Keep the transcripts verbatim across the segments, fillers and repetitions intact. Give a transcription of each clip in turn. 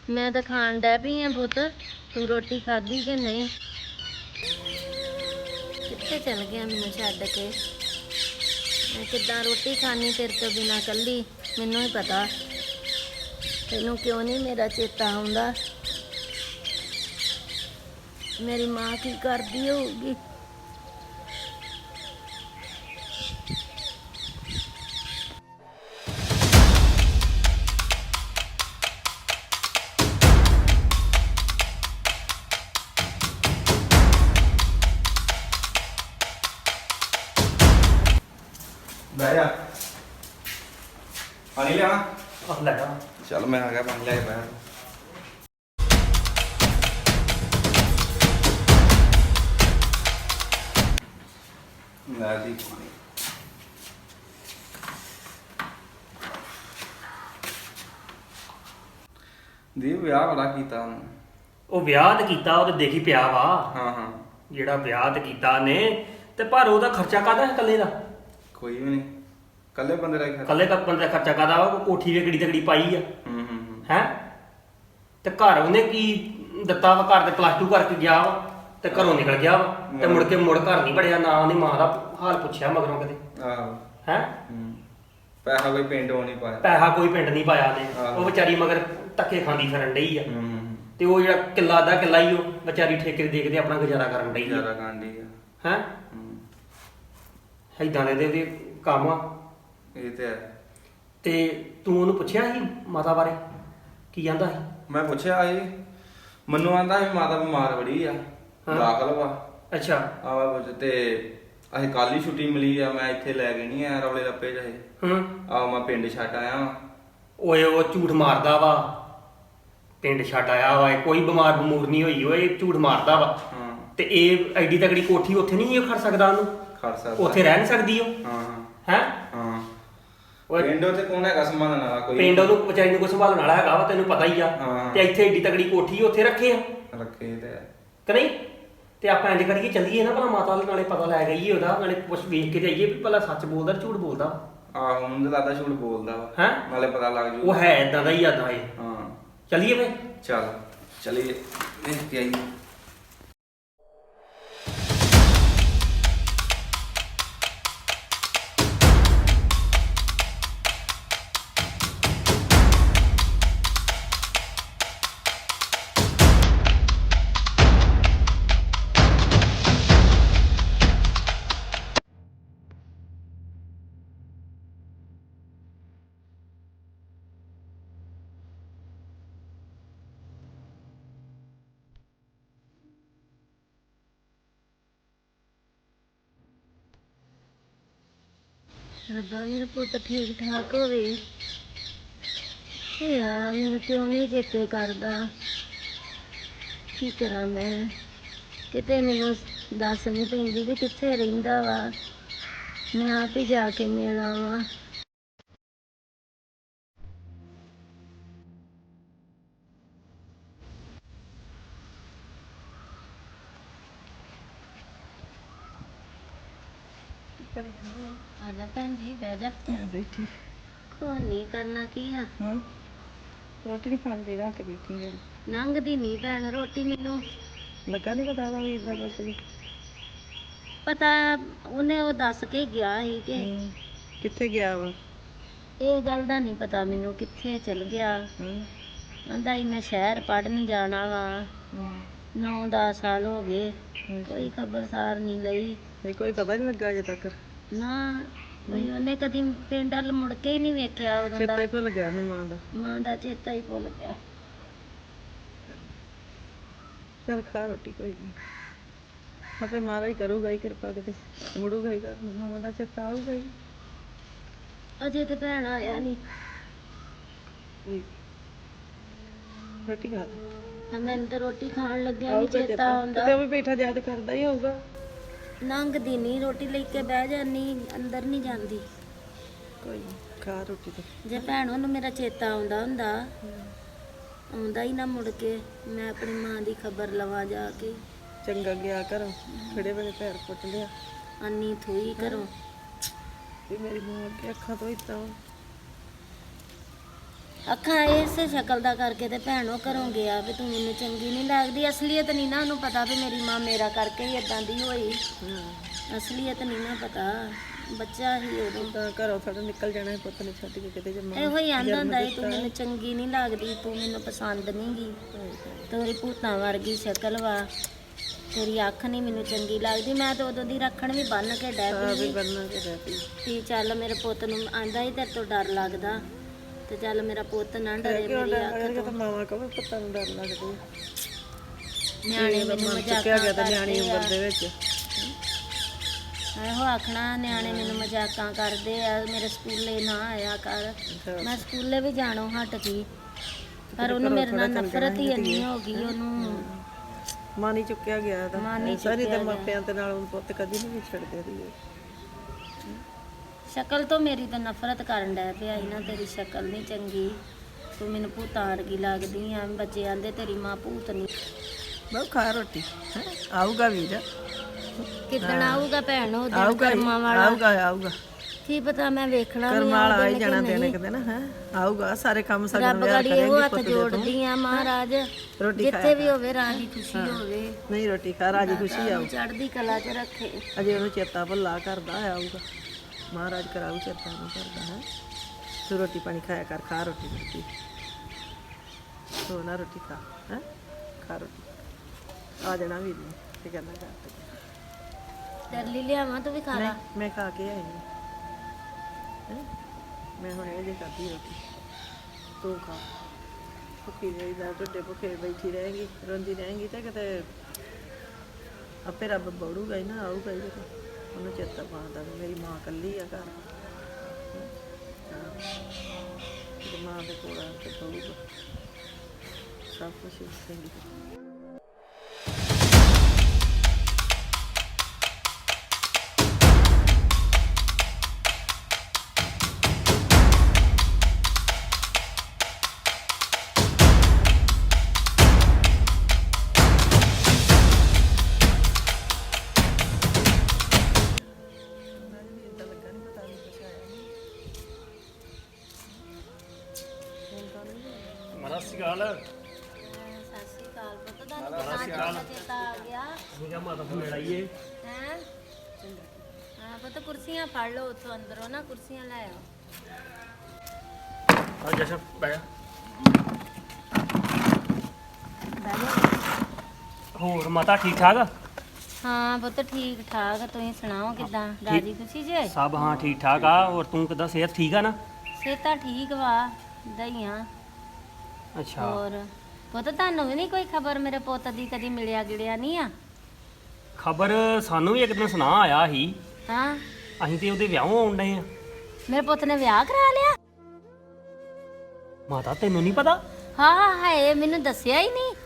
मैं तो खान डै पई हाँ पुत। तू रोटी खाधी कि नहीं? कित्थे चल गया मैनू छड्ड के? मैं किद्दां रोटी खानी तेरे तो बिना कल्ली? मैनू ही पता तैनू क्यों नहीं मेरा चेता आउंदा। मेरी माँ की करदी होगी। ਬਹਿ ਜਾ ਪਾਣੀ ਲਿਆ ਆਹ ਲੈ ਆ। ਚੱਲ ਮੈਂ ਆ ਗਿਆ ਪਾਣੀ ਲੈ ਕੇ ਬਹਿ ਲੈ ਦੀ ਪਾਣੀ ਦੀ ਵਿਆਹ ਬੜਾ ਕੀਤਾ ਉਹਨੂੰ। ਉਹ ਵਿਆਹ ਤੇ ਕੀਤਾ ਉਹ ਤੇ ਦੇਖੀ ਪਿਆ ਵਾ। ਹਾਂ ਹਾਂ ਜਿਹੜਾ ਵਿਆਹ ਤੇ ਕੀਤਾ ਨੇ ਤੇ ਪਰ ਉਹਦਾ ਖਰਚਾ ਕਾਹਦਾ ਹੈ ਇਕੱਲੇ ਦਾ? ਕੋਈ ਵੀ ਨਹੀਂ ਕੱਲੇ ਬੰਦੇ ਦਾ ਹੀ ਖਰਚਾ। ਇਕੱਲੇ ਕੱਪ ਬੰਦੇ ਦਾ ਖਰਚਾ ਕਾਹਦਾ ਵਾ? ਉਹ ਕੋਠੀ ਵੇ ਕਿਹੜੀ ਤਗੜੀ ਪਾਈ ਆ ਹੂੰ ਹੂੰ ਹੂੰ ਹੈ। ਤੇ ਘਰ ਉਹਨੇ ਕੀ ਦਿੱਤਾ ਵਾ? ਘਰ ਤੇ ਪਲੱਸ ਟੂ ਕਰਕੇ ਗਿਆ ਵਾ ਤੇ ਘਰੋਂ ਨਿਕਲ ਗਿਆ ਵਾ ਤੇ ਮੁੜ ਕੇ ਮੁੜ ਘਰ ਨਹੀਂ ਵੜਿਆ। ਨਾ ਉਹਦੀ ਮਾਂ ਦਾ ਹਾਲ ਪੁੱਛਿਆ ਮਗਰੋਂ ਕਦੇ ਆਹੋ ਹੈ। ਹੂੰ ਪੈਸਾ ਕੋਈ ਪਿੰਡ ਹੋ ਨਹੀਂ ਪਾਇਆ। ਪੈਸਾ ਕੋਈ ਪਿੰਡ ਨਹੀਂ ਪਾਇਆ ਨੇ। ਆਹੋ। ਉਹ ਵਿਚਾਰੀ ਮਗਰ ਧੱਕੇ ਖਾਂਦੀ ਫਿਰਨ ਡਈ ਆ। ਹੂੰ ਹੂੰ ਤੇ ਉਹ ਜਿਹੜਾ ਕਿੱਲਾ ਦਾ ਕਿੱਲਾ ਹੀ ਉਹ ਵਿਚਾਰੀ ਠੇਕੇ ਦੇ ਦੇਖਦੇ ਆਪਣਾ ਗੁਜ਼ਾਰਾ ਕਰਨ ਡਈ ਆ ਜ਼ਿਆਦਾ ਕਾਂਡੀ ਆ। ਹੈ। ਹੂੰ ਏਦਾਂ ਦੇ ਤੇ ਉਹਦੇ ਕੰਮ ਆ। ਇਹ ਤੇ ਹੈ। ਤੇ ਤੂੰ ਉਹਨੂੰ ਪੁੱਛਿਆ ਸੀ ਮਾਤਾ ਬਾਰੇ? ਕੀ ਕਹਿੰਦਾ ਸੀ? ਮੈਂ ਪੁੱਛਿਆ ਸੀ ਮੈਨੂੰ ਆਂਦਾ ਸੀ ਮਾਤਾ ਬਿਮਾਰ ਬੜੀ ਆ ਹਾਂ। ਦਾਖਲ ਵਾ ਅੱਛਾ। ਆਵਾ ਪੁੱਛ ਤੇ ਅਸੀਂ ਕੱਲ ਹੀ ਛੁੱਟੀ ਮਿਲੀ ਆ ਮੈਂ ਇੱਥੇ ਲੈ ਕੇ ਨਹੀਂ ਆਇਆ ਰੌਲੇ ਰੱਪੇ ਜਾਏ। ਹੂੰ। ਆ ਮੈਂ ਪਿੰਡ ਛੱਡ ਆਇਆ ਵਾਂ। ਓਏ ਉਹ ਝੂਠ ਮਾਰਦਾ ਵਾ। ਪਿੰਡ ਛੱਡ ਆਇਆ ਵਾ। ਕੋਈ ਬਿਮਾਰ ਬਮੂਰ ਨਹੀਂ ਹੋਈ। ਓਏ ਝੂਠ ਮਾਰਦਾ ਵਾ। ਹਾਂ ਤੇ ਇਹ ਐਡੀ ਤਗੜੀ ਕੋਠੀ ਉੱਥੇ ਨਹੀਂ ਇਹ ਖੜ ਸਕਦਾ ਉਹਨੂੰ? ਖੜ ਸਕਦਾ। ਉੱਥੇ ਰਹਿ ਨਹੀਂ ਸਕਦੀ ਉਹ ਹਾਂ ਹੈ। ਹਾਂ ਓਏ ਪਿੰਡ ਉੱਤੇ ਕੌਣ ਹੈਗਾ ਸੰਭਾਲਣ ਵਾਲਾ ਕੋਈ? ਪਿੰਡ ਉਹਨੂੰ ਵਿਚਾਰੀ ਨੂੰ ਕੋਈ ਸੰਭਾਲਣ ਵਾਲਾ ਹੈਗਾ ਵਾ ਤੈਨੂੰ ਪਤਾ ਹੀ ਆ। ਹਾਂ। ਤੇ ਇੱਥੇ ਐਡੀ ਤਗੜੀ ਕੋਠੀ ਉੱਥੇ ਰੱਖੇ ਆ ਰੱਖੇ ਤੇ ਹੈ। ਕਿ ਨਹੀਂ? ਤੇ ਆਪਾਂ ਇੰਜ ਕਰੀਏ ਚੱਲੀਏ ਨਾ ਭਲਾ ਮਾਤਾ ਦੇ ਨਾਲੇ ਪਤਾ ਲੈ ਗਈਏ ਉਹਦਾ ਨਾਲੇ ਕੁਛ ਵੇਖ ਕੇ ਜਾਈਏ ਵੀ ਭਲਾ ਸੱਚ ਬੋਲਦਾ ਝੂਠ ਬੋਲਦਾ ਆਹੋ ਉਹਨੂੰ ਤਾਂ ਲੱਗਦਾ ਝੂਠ ਬੋਲਦਾ ਵਾ। ਹੈਂ? ਨਾਲੇ ਪਤਾ ਲੱਗ ਜੂ। ਉਹ ਹੈ ਇਦਾਂ ਦਾ ਹੀ ਆਦਾ ਇਹ। ਹਾਂ ਚੱਲੀਏ ਫੇ। ਚੱਲ ਚਲੀਏ ਦੇਖ ਕੇ ਆਈਏ। ਰੱਬਾ ਮੇਰਾ ਪੁੱਤ ਠੀਕ ਠਾਕ ਹੋਵੇ। ਇਹ ਯਾਰ ਮੈਨੂੰ ਕਿਉਂ ਨਹੀਂ ਚੇਤੇ ਕਰਦਾ? ਕੀ ਕਰਾਂ ਮੈਂ? ਕਿਤੇ ਮੈਨੂੰ ਦੱਸ ਨਹੀਂ ਪੈਂਦੀ ਵੀ ਕਿੱਥੇ ਰਹਿੰਦਾ ਵਾ। ਮੈਂ ਆਪ ਹੀ ਜਾ ਕੇ ਮਿਲ ਆਵਾਂ। ਆ ਜਾ ਭੈਣ ਜੀ ਬਹਿ ਜਾ। ਬੈਠੀ ਕੋਈ ਨਹੀਂ ਕਰਨਾ ਕੀ ਆ। ਹਾਂ ਰੋਟੀ ਨਹੀਂ ਖਾਂਦੀ ਰਾਤ ਬੈਠੀ ਹਾਂ। ਲੰਘਦੀ ਨਹੀਂ ਭੈਣ ਰੋਟੀ ਮੈਨੂੰ ਲੱਗਾ ਨਹੀਂ ਪਤਾ ਵਾ ਵੀ ਇਦਾਂ ਕੁਛ ਵੀ। ਪਤਾ ਉਹਨੇ ਉਹ ਦੱਸ ਕੇ ਗਿਆ ਸੀ ਕਿ ਹੂੰ। ਕਿੱਥੇ ਗਿਆ ਵਾ? ਇਹ ਗੱਲ ਦਾ ਨਹੀਂ ਪਤਾ ਮੈਨੂੰ ਕਿੱਥੇ ਚਲ ਗਿਆ। ਹੂੰ ਕਹਿੰਦਾ ਸੀ ਮੈਂ ਸ਼ਹਿਰ ਪੜ੍ਹਨ ਜਾਣਾ ਵਾ। ਹੂੰ ਨੌ ਦਸ ਸਾਲ ਹੋ ਗਏ ਕੋਈ ਖਬਰਸਾਰ ਨਹੀਂ ਲਈ। ਇਹ ਕੋਈ ਪਤਾ ਨਹੀਂ ਲੱਗਾ ਅਜੇ ਤੱਕ। ਨਾ ਵੀ ਉਹਨੇ ਕਦੀ ਪਿੰਡ ਵੱਲ ਮੁੜ ਕੇ ਹੀ ਨਹੀਂ ਵੇਖਿਆ ਉਦੋਂ ਚੇਤਾ ਦਾ। ਹੀ ਭੁੱਲ ਗਿਆ ਮੈਨੂੰ ਮਾਂ ਦਾ। ਮਾਂ ਦਾ ਚੇਤਾ ਹੀ ਭੁੱਲ ਗਿਆ। ਚੱਲ ਖਾ ਰੋਟੀ ਕੋਈ ਨਹੀਂ। ਮਤੇ ਮਾਰਾ ਹੀ ਕਰੂਗਾ ਹੀ ਕਿਰਪਾ ਕਿਤੇ ਮੁੜੂਗਾ ਹੀ ਘਰ ਨੂੰ। ਮਾਂ ਦਾ ਚੇਤਾ ਆਊਗਾ ਹੀ। ਅਜੇ ਤੇ ਭੈਣ ਆਇਆ ਨਹੀਂ। ਰੋਟੀ ਖਾ ਲੈ। ਮੈਨੂੰ ਤਾਂ ਰੋਟੀ ਖਾਣ ਲੱਗਿਆ ਵੀ ਆਊਗਾ ਚੇਤਾ ਆਉਂਦਾ। ਤੇ ਉਹ ਵੀ ਬੈਠਾ ਯਾਦ ਕਰਦਾ ਹੀ ਹੋਊਗਾ। ਲੰਘਦੀ ਨਹੀਂ ਰੋਟੀ ਲੈ ਕੇ ਬਹਿ ਜਾਨੀ ਅੰਦਰ ਨਹੀਂ ਜਾਂਦੀ। ਕੋਈ ਨੀ, ਖਾ ਰੋਟੀ ਤੇ। ਜੇ ਭੈਣ ਉਹਨੂੰ ਮੇਰਾ ਚੇਤਾ ਆਉਂਦਾ ਹੁੰਦਾ ਆਉਂਦਾ ਹੀ ਨਾ ਮੁੜ ਕੇ ਮੈਂ ਆਪਣੀ ਮਾਂ ਦੀ ਖਬਰ ਲਵਾਂ ਜਾ ਕੇ। ਚੰਗਾ ਗਿਆ ਘਰੋਂ ਖੜੇ ਵੇਲੇ ਪੈਰ ਪੁੱਟ ਲਿਆ। ਅੰਨੀ ਥੋਈ ਘਰੋਂ। ਵੀ ਮੇਰੀ ਮਾਂ ਅੱਗੇ ਅੱਖਾਂ ਤੋਂ ਇਤਾਂ ਅੱਖਾਂ ਇਸੇ ਸ਼ਕਲ ਦਾ ਕਰਕੇ ਤੇ ਭੈਣੋ ਘਰੋਂ ਗਿਆ ਵੀ ਤੂੰ ਮੈਨੂੰ ਚੰਗੀ ਨਹੀਂ ਲੱਗਦੀ। ਅਸਲੀਅਤ ਨਹੀਂ ਨਾ ਉਹਨੂੰ ਪਤਾ ਵੀ ਮੇਰੀ ਮਾਂ ਮੇਰਾ ਕਰਕੇ ਹੀ ਇਦਾਂ ਦੀ ਹੋਈ। ਅਸਲੀਅਤ ਨਹੀਂ ਨਾ ਪਤਾ, ਬੱਚਾ ਹੀ ਉਦੋਂ। ਤਾਂ ਘਰੋਂ ਥੋੜਾ ਨਿਕਲ ਜਾਣਾ ਸੀ ਪੁੱਤ ਨੇ ਛੱਡ ਕੇ ਕਿਤੇ ਜਮਾ। ਇਹੋ ਹੀ ਆਂਦਾ ਹੁੰਦਾ ਸੀ ਤੂੰ ਮੈਨੂੰ ਚੰਗੀ ਨਹੀਂ ਲੱਗਦੀ, ਤੂੰ ਮੈਨੂੰ ਪਸੰਦ ਨਹੀਂ ਗੀ, ਤੇਰੀ ਭੂਤਾਂ ਵਰਗੀ ਸ਼ਕਲ ਵਾ, ਤੇਰੀ ਅੱਖ ਨਹੀਂ ਮੈਨੂੰ ਚੰਗੀ ਲੱਗਦੀ। ਮੈਂ ਤਾਂ ਉਦੋਂ ਦੀ ਰੱਖਣ ਵੀ ਬੰਨ ਕੇ ਡੈ ਵੀ ਪਈ ਬੰਨਾ ਕੇ ਰਹਿ ਪਈ ਵੀ ਚੱਲ ਮੇਰੇ ਪੁੱਤ ਨੂੰ ਆਂਦਾ ਹੀ ਤੇਰੇ ਤੋਂ ਡਰ ਲੱਗਦਾ ਤੇ ਚੱਲ ਮੇਰਾ ਪੁੱਤ ਨਾ ਡਰੇ ਕਿਉਂ ਮੇਰੀ ਡਰ ਅੱਖ ਲੱਗਦਾ? ਤੋਂ। ਤਾਂ ਮਾਵਾਂ ਕਹੋ ਪੁੱਤਾਂ ਨੂੰ ਡਰ ਲੱਗਦਾ। ਨਿਆਣੇ ਮੈਨੂੰ ਚੁੱਕਿਆ ਮਜ਼ਾਕਾਂ ਗਿਆ ਤਾਂ ਨਿਆਣੀ ਕਰਦੇ ਆ। ਉਮਰ ਦੇ ਵਿੱਚ ਇਹੋ ਆਖਣਾ ਨਿਆਣੇ ਮੈਨੂੰ ਮਜ਼ਾਕਾਂ ਕਰਦੇ ਆ, ਮੇਰੇ ਸਕੂਲੇ ਨਾ ਆਇਆ ਕਰ। ਮੈਂ ਸਕੂਲੇ ਵੀ ਜਾਣੋਂ ਹਟ ਗਈ, ਪਰ ਉਹਨੂੰ ਮੇਰੇ ਨਾਲ ਨਫ਼ਰਤ ਹੀ ਇੰਨੀ ਹੋ ਗਈ, ਉਹਨੂੰ ਮਾਨੀ ਚੁੱਕਿਆ ਗਿਆ ਤਾਂ ਮਾਂ ਨੀ ਸਾਰੀ ਚੁੱਕਿਆ ਤੇ ਮਾਪਿਆਂ ਦੇ ਨਾਲ ਉਹ ਪੁੱਤ ਕਦੀ ਨਹੀਂ ਵਿਛੜਦੇ ਦੀ। ਸ਼ਕਲ ਤੋਂ ਮੇਰੀ ਤਾਂ ਨਫ਼ਰਤ ਕਰਨ ਡੈ ਪਿਆ ਸੀ ਨਾ, ਤੇਰੀ ਸ਼ਕਲ ਨਹੀਂ ਚੰਗੀ, ਤੂੰ ਮੈਨੂੰ ਭੂਤਾਂ ਵਰਗੀ ਲੱਗਦੀ ਆ। ਬੱਚੇ ਆਂਦੇ ਤੇਰੀ ਮਾਂ ਭੂਤ ਨਹੀਂ। ਬਹੁਤ ਖਾ ਰੋਟੀ ਹੈਂ? ਆਊਗਾ ਵੀਰ, ਕਿੱਦਣ ਆਊਗਾ ਭੈਣ ਉਹ ਦਿਨ ਆਊਗਾ ਹੀ, ਕਰਮਾਂ ਵਾਲਾ? ਆਊਗਾ ਆਊਗਾ ਕੀ ਪਤਾ, ਮੈਂ ਵੇਖਣਾ ਵੀ ਕਰਮਾਂ ਵਾਲਾ ਆਊਗਾ ਆਈ ਕਿ ਜਾਣਾ ਨਹੀਂ। ਦੇਣੇ ਕਿਤੇ ਨਾ ਹੈ ਆਊਗਾ। ਸਾਰੇ ਕੰਮ ਸਾਡੇ ਰੱਬ ਨੂੰ ਵਿਆਹ ਗਾੜੀ ਇਹੋ ਕਰੇਗੀ ਹੱਥ ਪੁੱਤ ਦੇ ਤੋਂ। ਜੋੜਦੀ ਆ ਮਹਾਰਾਜ, ਰੋਟੀ ਜਿੱਥੇ ਵੀ ਹੋਵੇ ਰਾਜੀ ਖੁਸ਼ੀ ਹੋਵੇ, ਨਹੀਂ ਰੋਟੀ ਖਾ ਰਾਜੀ ਖੁਸ਼ੀ ਆਊ। ਚੜ੍ਹਦੀ ਕਲਾ 'ਚ ਰੱਖੇ। ਅਜੇ ਉਹਨੂੰ ਚੇਤਾ ਭੁੱਲਾ ਕਰਦਾ ਆਊਗਾ, ਮਹਾਰਾਜ ਕਰਾਊ ਚੇਤਾ ਨੂੰ ਕਰਦਾ ਹੈ। ਤੂੰ ਰੋਟੀ ਪਾਣੀ ਖਾਇਆ ਕਰ, ਖਾ ਰੋਟੀ ਰੋਟੀ ਤੂੰ ਨਾ ਰੋਟੀ ਖਾ ਹੈ, ਖਾ ਰੋਟੀ। ਆ ਜਾਣਾ ਵੀਰ ਨੇ ਤੇ ਕਹਿੰਦਾ ਕਰ ਤੇਰੇ ਲਈ ਲਿਆਵਾਂ, ਤੂੰ ਵੀ ਖਾ ਲਾ। ਮੈਂ ਖਾ ਕੇ ਆਈ ਹਾਂ ਹੈਂ? ਮੈਂ ਹੁਣ ਇਹ ਜੇ ਖਾਧੀ ਰੋਟੀ, ਤੂੰ ਖਾ। ਭੁੱਖੀ ਰਹੀ ਦਾ ਢਿੱਡੇ ਭੁੱਖੇ ਬੈਠੀ ਰਹੇਗੀ, ਰੋਂਦੀ ਰਹੇਗੀ ਤੇ ਕਿਤੇ ਆਪੇ ਰੱਬ ਬੜੂਗਾ ਹੀ ਨਾ, ਆਊਗਾ ਹੀ ਕਿਤੇ। ਉਹਨੂੰ ਚੇਤਾ ਪਾਉਂਦਾ ਵੀ ਮੇਰੀ ਮਾਂ ਇਕੱਲੀ ਆ ਘਰ, ਤੇ ਮਾਂ ਦੇ ਕੋਲ ਆ ਕੇ ਬਹੂਗਾ ਸਭ ਕੁਛ ਚੰਗੀ ਤਰ੍ਹਾਂ। ਮਰਾ ਸਿਕਾਲ ਸਤਿ ਸ਼੍ਰੀ ਅਕਾਲ ਪੁੱਤ, ਤੁਹਾਨੂੰ ਤਾਂ ਚੇਤਾ ਆ ਗਿਆ ਮੁੰਡਾ ਮਾਤਾ ਨੂੰ ਲੜਾਈਏ ਹੈ। ਹਾਂ ਪੁੱਤ, ਕੁਰਸੀਆਂ ਫੜ ਲਓ ਉੱਥੋਂ ਅੰਦਰੋਂ ਨਾ, ਕੁਰਸੀਆਂ ਲੈ ਆਓ। ਆ ਜਸ਼ਨ ਬੈ ਬਹਿ ਜਾਓ। ਹੋਰ ਮਾਤਾ ਠੀਕ ਠਾਕ? ਹਾਂ ਪੁੱਤ ਠੀਕ ਠਾਕ, ਤੁਸੀਂ ਸੁਣਾਓ ਕਿਦਾਂ? ਰਾਜੀ ਖੁਸ਼ੀ ਜੇ? ਸਭ ਹਾਂ ਠੀਕ ਠਾਕ ਆ। ਹੋਰ ਤੂੰ ਕਿਦਾਂ, ਸਿਹਤ ਠੀਕ ਆ ਨਾ? ਸਿਹਤਾਂ ਠੀਕ ਵਾ ਦਈਆਂ। ਅੱਛਾ, ਹੋਰ ਪੁੱਤ ਤੁਹਾਨੂੰ ਵੀ ਨਹੀਂ ਕੋਈ ਖਬਰ ਮੇਰੇ ਪੁੱਤ ਦੀ? ਕਦੀ ਮਿਲਿਆ ਗਿੜਿਆ ਨਹੀਂ ਆ? ਖਬਰ ਸਾਨੂੰ ਵੀ ਇੱਕ ਦਿਨ ਸੁਣਾ ਆਇਆ ਸੀ। ਹਾਂ, ਅਸੀਂ ਤੇ ਉਹਦੇ ਵਿਆਹੋਂ ਆਉਣ ਡਏ ਆ। ਮੇਰੇ ਪੁੱਤ ਨੇ ਵਿਆਹ ਕਰਾ ਲਿਆ? ਮਾਤਾ ਤੈਨੂੰ ਨਹੀਂ ਪਤਾ? ਹਾਂ ਹਾਏ, ਮੈਨੂੰ ਦੱਸਿਆ ਹੀ ਨਹੀਂ।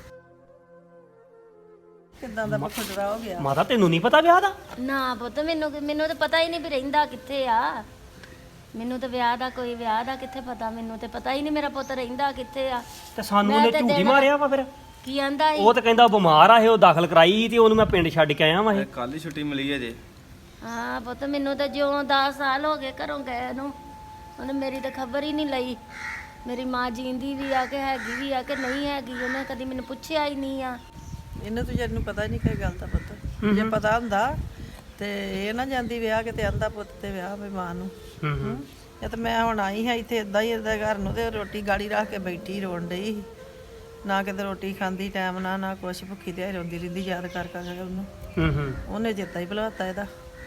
ਕਿੱਦਾਂ ਦਾ ਬਖੜਰਾ ਹੋ ਗਿਆ। ਮਾਤਾ ਤੈਨੂੰ ਨਹੀਂ ਪਤਾ ਵਿਆਹ ਦਾ? ਨਾ ਪੁੱਤ, ਮੈਨੂੰ ਮੈਨੂੰ ਤਾਂ ਪਤਾ ਹੀ ਨਹੀਂ ਵੀ ਰਹਿੰਦਾ ਕਿੱਥੇ ਆ। ਮੈਨੂੰ ਤਾਂ ਵਿਆਹ ਦਾ ਕੋਈ ਵਿਆਹ ਦਾ ਕਿੱਥੇ ਪਤਾ, ਮੈਨੂੰ ਤੇ ਪਤਾ ਹੀ ਨਹੀਂ ਮੇਰਾ ਪੁੱਤ ਰਹਿੰਦਾ ਕਿੱਥੇ ਆ। ਤੇ ਸਾਨੂੰ ਮੈਂ ਉਹਨੇ ਤੇ ਝੂਠੀ ਦਿਨ- ਮਾਰਿਆ ਵਾ ਫਿਰ। ਕੀ ਆਂਦਾ ਸੀ? ਉਹ ਤਾਂ ਕਹਿੰਦਾ ਬਿਮਾਰ ਆ ਇਹ, ਉਹ ਦਾਖਲ ਕਰਾਈ ਤੇ ਉਹਨੂੰ ਮੈਂ ਪਿੰਡ ਛੱਡ ਕੇ ਆਇਆ ਵਾਂ ਇਹ। ਕੱਲ ਹੀ ਛੁੱਟੀ ਮਿਲੀ ਹੈ ਜੇ। ਹਾਂ ਪੁੱਤ, ਮੈਨੂੰ ਤਾਂ ਜਿਉਂ ਦਸ ਸਾਲ ਹੋ ਗਏ ਘਰੋਂ ਗਏ ਨੂੰ, ਉਹਨੇ ਮੇਰੀ ਤਾਂ ਖਬਰ ਹੀ ਨਹੀਂ ਲਈ। ਮੇਰੀ ਮਾਂ ਜੀਂਦੀ ਵੀ ਆ ਕਿ ਹੈਗੀ ਵੀ ਆ ਕਿ ਨਹੀਂ ਹੈਗੀ, ਉਹਨੇ ਕਦੀ ਮੈਨੂੰ ਪੁੱਛਿਆ ਹੀ ਨਹੀਂ ਆ। ਇਹਨੂੰ ਤਾਂ ਜਦ ਨੂੰ ਪਤਾ ਹੀ ਨਹੀਂ ਕੋਈ ਗੱਲ ਦਾ ਪੁੱਤ। ਜੇ ਪਤਾ ਹੁੰਦਾ ਤੇ ਇਹ ਨਾ ਜਾਂਦੀ ਵਿਆਹ ਕਿਤੇ ਆਂਦਾ ਪੁੱਤ ਤੇ ਵਿਆਹ ਵੀ ਮਾਂ ਨੂੰ। ਹੂੰ ਹੂੰ। ਇਹ ਤਾਂ ਮੈਂ ਹੁਣ ਆਈ ਹਾਂ ਇੱਥੇ ਇਦਾਂ ਹੀ ਇਹਦੇ ਘਰ ਨੂੰ ਤੇ ਰੋਟੀ ਗਾੜੀ ਰੱਖ ਕੇ ਬੈਠੀ ਰੋਣ ਡਈ ਸੀ। ਨਾ ਕਿਤੇ ਰੋਟੀ ਖਾਂਦੀ ਟਾਈਮ ਨਾ ਨਾ ਕੁਛ, ਭੁੱਖੀ ਤੇ ਰੋਂਦੀ ਰਹਿੰਦੀ ਯਾਦ ਕਰ ਕਰ ਕੇ ਉਹਨੂੰ। ਹੂੰ ਹੂੰ। ਉਹਨੇ ਚੇਤਾ ਹੀ ਭੁਲਾਤਾ ਇਹਦਾ।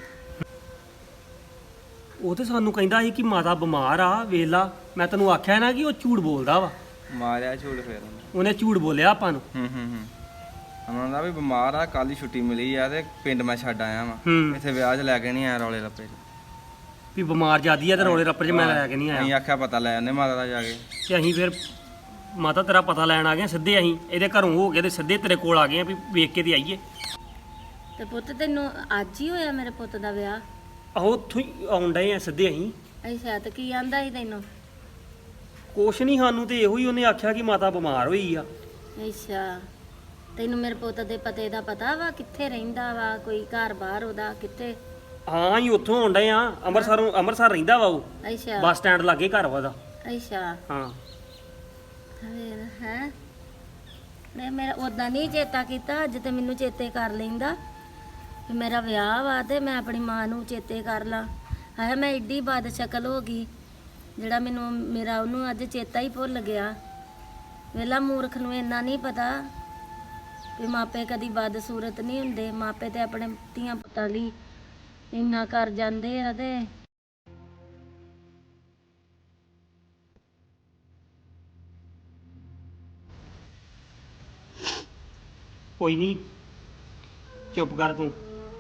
ਉਹ ਤੇ ਸਾਨੂੰ ਕਹਿੰਦਾ ਸੀ ਕਿ ਮਾਤਾ ਬਿਮਾਰ ਆ, ਵੇਲਾ ਮੈਂ ਤੈਨੂੰ ਆਖਿਆ ਨਾ ਕਿ ਉਹ ਝੂਠ ਬੋਲਦਾ ਵਾ। ਮਾਰਿਆ ਝੂਠ ਫੇਰ ਉਹਨੇ। ਉਹਨੇ ਝੂਠ ਬੋਲਿਆ ਆਪਾਂ ਨੂੰ। ਹੂੰ ਹੂੰ ਹੂੰ। ਉਹਨਾਂ ਦਾ ਵੀ ਬਿਮਾਰ ਆ, ਕੱਲ ਹੀ ਛੁੱਟੀ ਮਿਲੀ ਆ ਤੇ ਪਿੰਡ ਮੈਂ ਛੱਡ ਆਇਆ ਵਾਂ। ਹੂੰ। ਇੱਥੇ ਵਿਆਹ 'ਚ ਲੈ ਕੇ ਨਹੀਂ ਆਇਆ ਰੌਲੇ ਰੱਪੇ 'ਚ। ਵੀ ਬਿਮਾਰ ਜਿਆਦੀ ਆ ਤੇ ਰੋਲੇ ਰੱਪੇ 'ਚ ਮੈਂ ਲੈ ਕੇ ਨਹੀਂ ਅਸੀਂ ਆਇਆ। ਆਖਿਆ ਪਤਾ ਲੈ ਆਉਂਦੇ ਮਾਤਾ ਦਾ ਜਾ ਕੇ। ਤੇ ਅਸੀਂ ਫਿਰ ਮਾਤਾ ਤੇਰਾ ਪਤਾ ਲੈਣ ਆ ਗਏ ਸਿੱਧੇ। ਅਸੀਂ ਇਹਦੇ ਘਰੋਂ ਹੋ ਕੇ ਤੇ ਸਿੱਧੇ ਤੇਰੇ ਕੋਲ ਆ ਗਏ ਆ ਵੀ ਵੇਖ ਕੇ ਤੇ ਆਈਏ। ਤੇ ਪੁੱਤ ਤੈਨੂੰ ਅੱਜ ਹੀ ਹੋਇਆ ਮੇਰੇ ਪੁੱਤ ਦਾ ਵਿਆਹ? ਆਹੋ ਉੱਥੋਂ ਹੀ ਆਉਣ ਡਏ ਆ ਸਿੱਧੇ ਅਸੀਂ। ਅੱਛਾ, ਤੇ ਕੀ ਆਂਦਾ ਸੀ ਤੈਨੂੰ? ਕੁਛ ਨਹੀਂ, ਸਾਨੂੰ ਤੇ ਇਹੋ ਹੀ ਉਹਨੇ ਆਖਿਆ ਕਿ ਮਾਤਾ ਬਿਮਾਰ ਹੋਈ ਆ। ਅੱਛਾ, ਤੈਨੂੰ ਮੇਰੇ ਪੁੱਤ ਦੇ ਪਤੇ ਦਾ ਪਤਾ ਵਾ? ਕਿੱਥੇ ਰਹਿੰਦਾ ਵਾ? ਕੋਈ ਘਰ ਬਾਹਰ ਉਹਦਾ ਕਿੱਥੇ? ਹਾਂ ਅਸੀਂ ਉੱਥੋਂ ਆਉਣ ਡਏ ਆ, ਅੰਮ੍ਰਿਤਸਰੋਂ। ਅੰਮ੍ਰਿਤਸਰ ਰਹਿੰਦਾ ਵਾ ਉਹ, ਅੱਛਾ ਬੱਸ ਸਟੈਂਡ ਲਾਗੇ ਘਰ ਵਾ ਉਹਦਾ। ਅੱਛਾ, ਹਾਂ। ਫੇਰ ਹੈ ਮੈਂ ਮੇਰਾ ਉਦਾਂ ਨਹੀਂ ਚੇਤਾ ਕੀਤਾ, ਅੱਜ ਤੇ ਮੈਨੂੰ ਚੇਤੇ ਕਰ ਲੈਂਦਾ ਕਿ ਮੇਰਾ ਵਿਆਹ ਵਾ ਤੇ ਮੈਂ ਆਪਣੀ ਮਾਂ ਨੂੰ ਚੇਤੇ ਕਰ ਲਾਂ। ਹੈ ਮੈਂ ਏਡੀ ਬਦ ਸ਼ਕਲ ਹੋ ਗਈ ਜਿਹੜਾ ਮੈਨੂੰ ਮੇਰਾ ਉਹਨੂੰ ਅੱਜ ਚੇਤਾ ਹੀ ਭੁੱਲ ਗਿਆ। ਵੇਲਾ ਮੂਰਖ ਨੂੰ ਇੰਨਾ ਨਹੀਂ ਪਤਾ ਵੀ ਮਾਪੇ ਕਦੀ ਬਦ ਸੂਰਤ ਨਹੀਂ ਹੁੰਦੇ। ਮਾਪੇ ਤੇ ਆਪਣੇ ਧੀਆਂ ਪੁੱਤਾਂ ਲਈ ਇੰਨਾ ਕਰ ਜਾਂਦੇ ਆ ਤੇ ਕੋਈ ਨਹੀਂ, ਚੁੱਪ ਕਰ ਤੂੰ।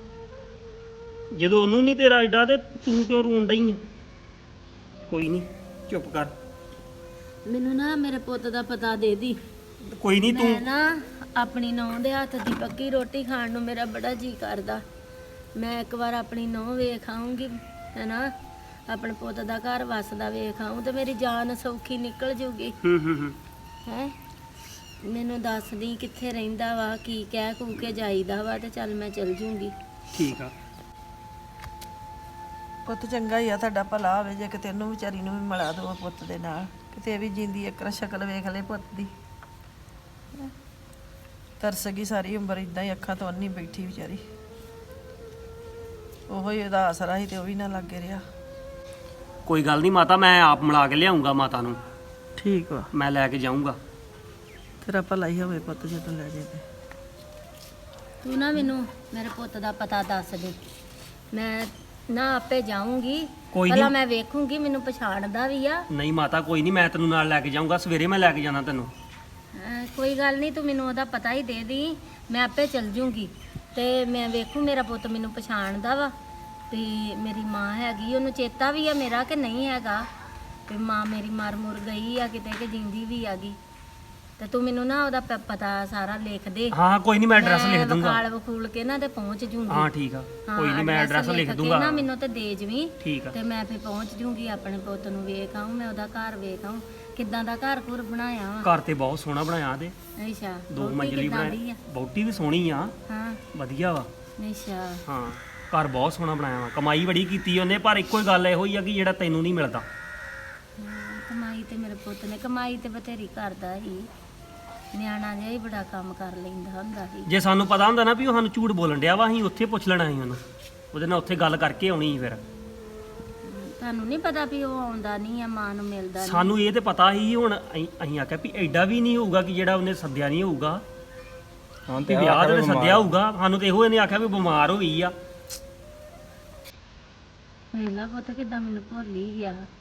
ਜਦੋਂ ਉਹਨੂੰ ਨਹੀਂ ਤੇਰਾ ਏਡਾ ਤੇ ਤੂੰ ਕਿਉਂ ਰੋਣ ਡਈ ਆ? ਕੋਈ ਨਹੀਂ, ਚੁੱਪ ਕਰ। ਮੈਨੂੰ ਨਾ ਮੇਰੇ ਪੁੱਤ ਦਾ ਪਤਾ ਦੇ ਦੀ। ਕੋਈ ਨਹੀਂ ਮੈਂ ਤੂੰ ਨਾ ਆਪਣੀ ਨੂੰਹ ਦੇ ਹੱਥ ਦੀ ਪੱਕੀ ਰੋਟੀ ਖਾਣ ਨੂੰ ਮੇਰਾ ਬੜਾ ਜੀ ਕਰਦਾ। ਮੈਂ ਇੱਕ ਵਾਰ ਆਪਣੀ ਨੂੰਹ ਵੇਖ ਆਊਂਗੀ ਹੈਨਾ, ਆਪਣੇ ਪੁੱਤ ਦਾ ਘਰ ਵਸਦਾ ਵੇਖ ਆਊਂ ਤੇ ਮੇਰੀ ਜਾਨ ਸੌਖੀ ਨਿਕਲ ਜੂਗੀ। ਹੂੰ ਹੂੰ ਹੂੰ ਹੈ ਮੈਨੂੰ ਦੱਸਦੀ ਕਿੱਥੇ ਰਹਿੰਦਾ ਵਾ, ਕੀ ਕਹਿ ਕੂ ਕੇ ਜਾਈਦਾ ਵਾ ਤੇ ਚੱਲ ਮੈਂ ਚਲ ਜੂੰਗੀ। ਠੀਕ ਆ। ਪੁੱਤ ਚੰਗਾ ਹੀ ਆ, ਤੁਹਾਡਾ ਭਲਾ ਹੋਵੇ ਜੇ ਕਿਤੇ ਇਹਨੂੰ ਵਿਚਾਰੀ ਨੂੰ ਵੀ ਮਿਲਾ ਦਿਓ ਪੁੱਤ ਦੇ ਨਾਲ, ਕਿਤੇ ਇਹ ਵੀ ਜਿੰਦੀ ਇੱਕ ਵਾਰ ਸ਼ਕਲ ਵੇਖ ਲੈ ਪੁੱਤ ਦੀ। ਤਰਸ ਗਈ ਸਾਰੀ ਉਮਰ ਇਦਾਂ ਹੀ ਅੱਖਾਂ ਤੋਂ ਅੰਨੀ ਬੈਠੀ ਵਿਚਾਰੀ। ਉਹੋ ਹੀ ਉਹਦਾ ਆਸਰਾ ਸੀ ਤੇ ਉਹ ਵੀ ਨਾ ਲੱਗੇ ਰਿਹਾ। ਕੋਈ ਗੱਲ ਨਹੀਂ ਮਾਤਾ, ਮੈਂ ਆਪ ਮਿਲਾ ਕੇ ਲਿਆਉਂਗਾ ਮਾਤਾ ਨੂੰ, ਠੀਕ ਵਾ, ਮੈਂ ਲੈ ਕੇ ਜਾਊਂਗਾ। ਤੇਰਾ ਭਲਾ ਹੀ ਹੋਵੇ ਪੁੱਤ ਜਦੋਂ ਲੈ ਜੇ ਤੇ। ਤੂੰ ਨਾ ਮੈਨੂੰ ਮੇਰੇ ਪੁੱਤ ਦਾ ਪਤਾ ਦੱਸ ਦੇ, ਮੈਂ ਨਾ ਆਪੇ ਜਾਊਂਗੀ। ਕੋਈ ਪਹਿਲਾਂ ਨਹੀਂ। ਮੈਂ ਵੇਖੂੰਗੀ ਮੈਨੂੰ ਪਛਾਣਦਾ ਵੀ ਆ। ਨਹੀਂ ਮਾਤਾ ਕੋਈ ਨਹੀਂ, ਮੈਂ ਤੈਨੂੰ ਨਾਲ ਲੈ ਕੇ ਜਾਊਂਗਾ। ਸਵੇਰੇ ਮੈਂ ਲੈ ਕੇ ਜਾਣਾ ਤੈਨੂੰ। ਅਹ ਕੋਈ ਗੱਲ ਨਹੀਂ, ਤੂੰ ਮੈਨੂੰ ਉਹਦਾ ਪਤਾ ਹੀ ਦੇ ਦੀ, ਮੈਂ ਆਪੇ ਚਲ ਜੂੰਗੀ ਤੇ ਮੈਂ ਵੇਖੂ ਮੇਰਾ ਪੁੱਤ ਮੈਨੂੰ ਪਛਾਣਦਾ ਵਾ ਵੀ ਮੇਰੀ ਮਾਂ ਹੈਗੀ, ਉਹਨੂੰ ਚੇਤਾ ਵੀ ਆ ਮੇਰਾ ਕਿ ਨਹੀਂ ਹੈਗਾ, ਵੀ ਮਾਂ ਮੇਰੀ ਮਰ ਮੁਰ ਗਈ ਆ ਕਿਤੇ ਕਿ ਜਿੰਦੀ ਵੀ ਆਗੀ। ਤੇ ਤੂੰ ਮੈਨੂੰ ਨਾ ਉਹਦਾ ਪ- ਪਤਾ ਸਾਰਾ ਲਿਖ ਦੇ। ਹਾਂ ਕੋਈ ਨਹੀਂ, ਮੈਂ ਐਡਰੈਸ ਲਿਖ ਦੂੰਗਾ। ਵਖਾਲ ਵਖੂਲ ਕੇ ਨਾ ਤੇ ਪਹੁੰਚ ਜੂੰਗੀ। ਹਾਂ ਠੀਕ ਆ, ਕੋਈ ਨਹੀਂ, ਮੈਂ ਐਡਰੈਸ ਲਿਖ ਕੇ ਦੂੰਗਾ। ਨਾ ਮੈਨੂੰ ਤੇ ਦੇ ਜਵੀਂ ਠੀਕ ਆ। ਤੇ ਮੈਂ ਫੇ ਪਹੁੰਚ ਜੂੰਗੀ, ਆਪਣੇ ਪੁੱਤ ਨੂੰ ਵੇਖ ਆਊਂ, ਮੈਂ ਉਹਦਾ ਘਰ ਵੇਖ ਆਊਂ ਕਿੱਦਾਂ ਦਾ ਘਰ ਘੁਰ ਬਣਾਇਆ ਵਾ। ਘਰ ਤੇ ਬਹੁਤ ਸੋਹਣਾ ਬਣਾਇਆ ਤੇ ਅੱਛਾ, ਦੋ ਵਹੁਟੀ ਮੰਜ਼ਲੀ ਕਿੱਦਾਂ ਦੀ ਬਣਾਈ, ਆ? ਬੌਟੀ ਵੀ ਸੋਹਣੀ ਆ, ਹਾਂ ਵਧੀਆ ਵਾ। ਅੱਛਾ, ਹਾਂ ਘਰ ਬਹੁਤ ਸੋਹਣਾ ਬਣਾਇਆ ਵਾ, ਕਮਾਈ ਬੜੀ ਕੀਤੀ ਉਹਨੇ, ਪਰ ਇੱਕੋ ਹੀ ਗੱਲ ਇਹੋ ਹੀ ਆ ਕਿ ਜਿਹੜਾ ਤੈਨੂੰ ਨਹੀਂ ਮਿਲਦਾ। ਹਾਂ, ਕਮਾਈ ਤੇ ਮੇਰੇ ਪੁੱਤ ਨੇ ਕਮਾਈ ਤੇ ਬਥੇਰੀ ਕਰਦਾ ਹੀ, ਨਿਆਣਾ ਜਿਹਾ ਹੀ ਬੜਾ ਕੰਮ ਕਰ ਲੈਂਦਾ ਹੁੰਦਾ ਸੀ। ਜੇ ਸਾਨੂੰ ਪਤਾ ਹੁੰਦਾ ਨਾ ਵੀ ਉਹ ਸਾਨੂੰ ਝੂਠ ਬੋਲਣ ਡਿਆ ਵਾ, ਅਸੀਂ ਉੱਥੇ ਪੁੱਛ ਲੈਣਾ ਸੀ ਉਹਨੂੰ, ਉਹਦੇ ਨਾਲ ਉੱਥੇ ਗੱਲ ਕਰਕੇ ਆਉਣੀ ਸੀ। ਫਿਰ ਤੁਹਾਨੂੰ ਨਹੀਂ ਪਤਾ ਵੀ ਉਹ ਆਉਂਦਾ ਨਹੀਂ ਆ, ਮਾਂ ਨੂੰ ਮਿਲਦਾ ਨਹੀਂ। ਸਾਨੂੰ ਇਹ ਤੇ ਪਤਾ ਸੀ, ਹੁਣ ਅਸੀਂ ਅਸੀਂ ਆਖਿਆ ਵੀ ਐਡਾ ਵੀ ਨਹੀਂ ਹੋਊਗਾ ਕਿ ਜਿਹੜਾ ਉਹਨੇ ਸੱਦਿਆ ਨਹੀਂ ਹੋਊਗਾ। ਹਾਂ ਵੀ ਵਿਆਹ ਤੇ ਸੱਦਿਆ ਹੋਊਗਾ, ਸਾਨੂੰ ਤੇ ਇਹੋ ਇਹਨੇ ਆਖਿਆ ਵੀ ਬਿਮਾਰ ਹੋਈ ਆ। ਵੇਲਾ ਪੁੱਤ ਕਿੱਦਾਂ ਮੈਨੂੰ ਭੁੱਲ ਹੀ ਗਿਆ।